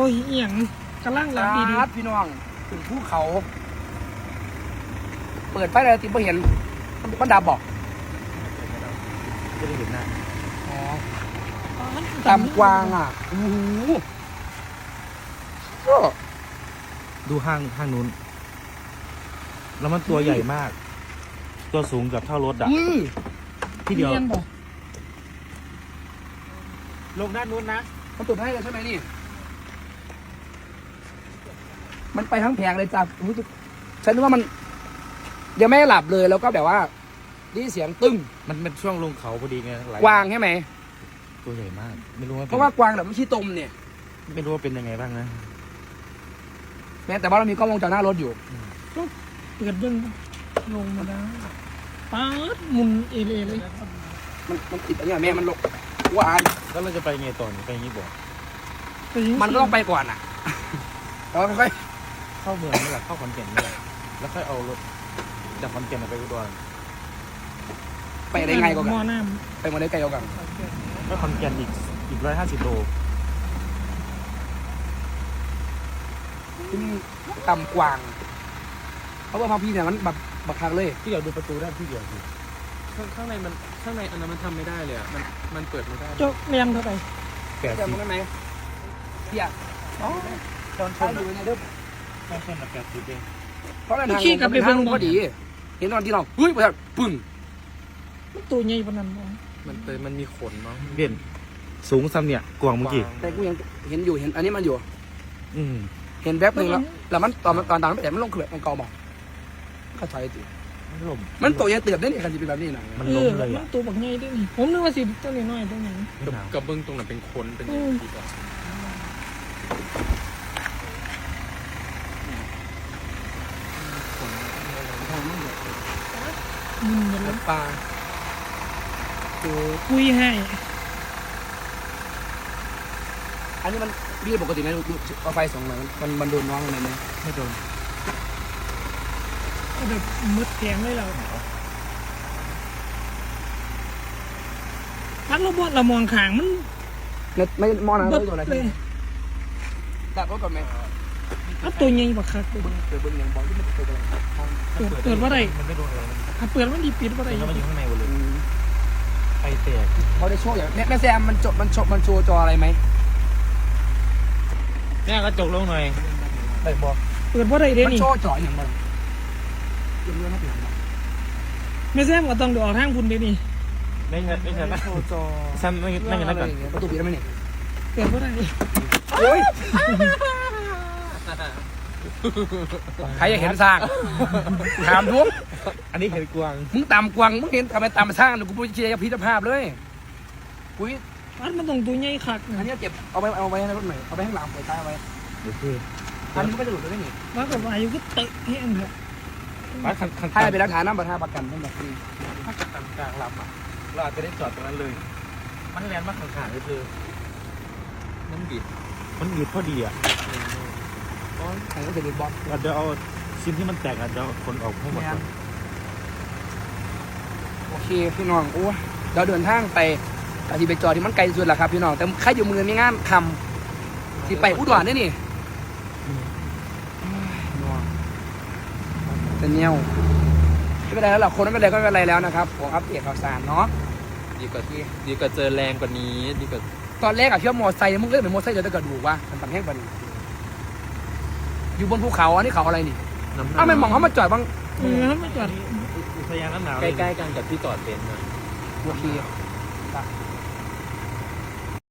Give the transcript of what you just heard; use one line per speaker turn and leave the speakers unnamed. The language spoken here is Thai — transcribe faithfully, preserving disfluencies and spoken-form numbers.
ยเอียงกำลังหลับดีดี
พี่น้องถึงภูเขาเปิดไฟอะไรติดไม่เห็นมันดับบอก
ไม่ได้เห็นหน้า
อ๋อตามกวางอ่ะโอ้โหก็
ดูห้างห้างนู้นแล้วมันตัวใหญ่มาก ตัวสูงกับเท่ารถอ่ะที่เดียวลงด้านนู้นนะ
มันตุ่มให้เลยใช่ไหมนี่มันไปทั้งแผงเลยจ้ะฉันนึกว่ามันยังไม่หลับเลยแล้วก็แบบว่านี่เสียงตึ้ง
มันเป็นช่วงลงเขาพอดีไง
กวางใช่ไหม
ตัวใหญ่มากไม่รู้ว่า
เพราะว่ากวางแบบไม่ใช่ตมเนี่ย
ไม่รู้ว่าเป็นยังไงบ้างนะ
แม้แต่ว่าเรามีกล้องวงจรหน้ารถอยู่
ก็เปิดเบิ้งลงมาได้ป๊าดมุนเอเลเลย
มันมันติดอะไรแม่มันลงวาน
แล้วเราจะไปไงต่อไปอย่างนี้บอก
มันก็ต้องไปก่อนอ่ะเราค่อย
เข้าเมืองนี่แหละเข้าขอนแก่นนี่แหละแล้วค่อยเอารถจากขอนแก่นไปอุดร
ไปได้ไงก็กัน
มอน้
ำไปมาได้ไกลก็กัน
ก็ขอนแก่นอีกอีกร้อยห้าสิบโล
ที่นี่ต่ำกวางเพราะว่าพอพี่เนี่ยมันแบบบักคักเลย
ที่เดียวดูประตูได้ที่เดียว
ข้างข้างในมันข้างในอันนั้นมันทำไม่ได้เลยอ่ะมันมันเปิดไม่ได้
เจ้าเรียนเท่าไหร่
แปดสิบ
ได้ไหมพี่อ่ะอ๋อตอนชนอยู่ในเด้อ
ตอนชนแปดสิบเอง
เพราะอะไรทางลงเป็นทางลงพอดีเห็นตอนที่เราเฮ้ยแบบปึ้ง
มันตัวใหญ่ปานนั้นบ่
มันเตยมันมีขนมั้ง
เด่นสูงซ้ำเนี่ยกวางเมื่อกี้
แต่กูยังเห็นอยู่เห็นอันนี้มันอยู่
อืม
เห็นแวบหนึ่งแล้วแล้วมันตอนตอนตอนแต่มันลงเขื่อนมันกอบอกเข้าใจจิ
มันล้ม
มันตัวใหญ่เติบได้เนี่ยกันจะเป็นแบบนี้นะ
มันล้มเลย
มันตัวบักใหญ่ด้วยนี่ผมนึกว่าสิตัวน้อยๆตัวนี้
กระเบื้องตรงนั้นเป็นขนเป็นดีกว่า
อืมมันเป็น
ปลา
ตัวคุยให้
อันนี้มันพี่ปกติไหมเอาไฟสองหน่อยมันมันโดนน้องอะไรไหม
ไม่โดน
แบบมืดแข็งเลยเราพักเราบดเรามองขางมัน
ไม่มองนะไม่โดนอะไรดับรถก่อนไหม
ถ้าตัวใหญ่บักคักเปิด
เปิดเบิ้งยังบอกที่มันเปิดอะไร
เปิดเปิดว่าไร
มันไม่โดนอะไร
ถ้าเปิดมันดีปิดว่าไร
มันอยู่ข้างในหมดเลยไฟแตก
เขาได้โชว์อย่างแม่แซมมันจบมันจบมันโชว์จออะไรไหม
แม่ก็จกลงหน่อย
ได้บอก
เปิดว่าไรเด้นี่
มันโชว์จออย่างไรยังเรื่องนักหนา
ไม่แซมก็ต้องดูออกทางคุณเด้นี่
ไม่ใช่ไม่ใช่ไม่โชว์จอแซมไม่ไม่กันนั่นก่อน
ประตูปิดได้ไหมเนี่ย
เปิดว่าไร
โอ้ยใครอยากเห็นสร้างถามทุก
อันนี้เห็นกวาง
มึงตามกวางมึงเห็นทำไมตามสร้างหนูกูพูดเชียร์พิจารภาพเลยปุ้ย
อันมันต้องตัวใหญ่คัก
อันนี้เก็บเอาไปเอาไว้ในรถหน่อยเอาไปข้างหลังไปใต้เอาไว้
โอเค
อันนี้มันก็จะหลุดได้ไหม
แล้วแบบอายุก็เตะเพี้ยนเถอะ
ถ้าเป็นหลักฐานน้ำประทาประกันทั้งหมดนี้
ถ้าเกิดตามกลางลำอ่ะเราอาจจะได้จอดตรงนั้นเลยมันแรงมากข้างๆก็คือ
มันบิด
มันบิดพอดีอ่ะ
อ๋อใครก็จะบิดบอล
เราจะเอาชิ้นที่มันแตกอาจจะคนออกให้หมด
โอเคพี่น้องโอ้เราเดินทางไปแต่ที่ไปจอดที่มันไกลสุดแหละครับพี่น้องแต่ใครอยู่มือมีงานทำที่ไปอุดรนี่นี่เป็นเงี้ยวไม่เป็นไรแล้วหรอกคนไม่เป็นไรก็ไม่เป็นไรแล้วนะครับผมอัปเดตข่าวสารเนาะ
ดีกว่าที่ดีกว่าเจอแรงกว่านี้ดีกว่า
ตอนแรกอะเชื่อมอไซค์มึงเล่นเหมือนมอไซค์เดี๋ยวจะกระดูกว่ามันต่างแห้งกว่านี้อยู่บนภูเขาอันนี้เขาอะไรนี่อ้าวไม่มองเขามาจอดบ้าง
เออมาจอด
อุทยานน้ำหนาว
ใกล้ๆกันกับที่จอดเป็นนะ
โอเค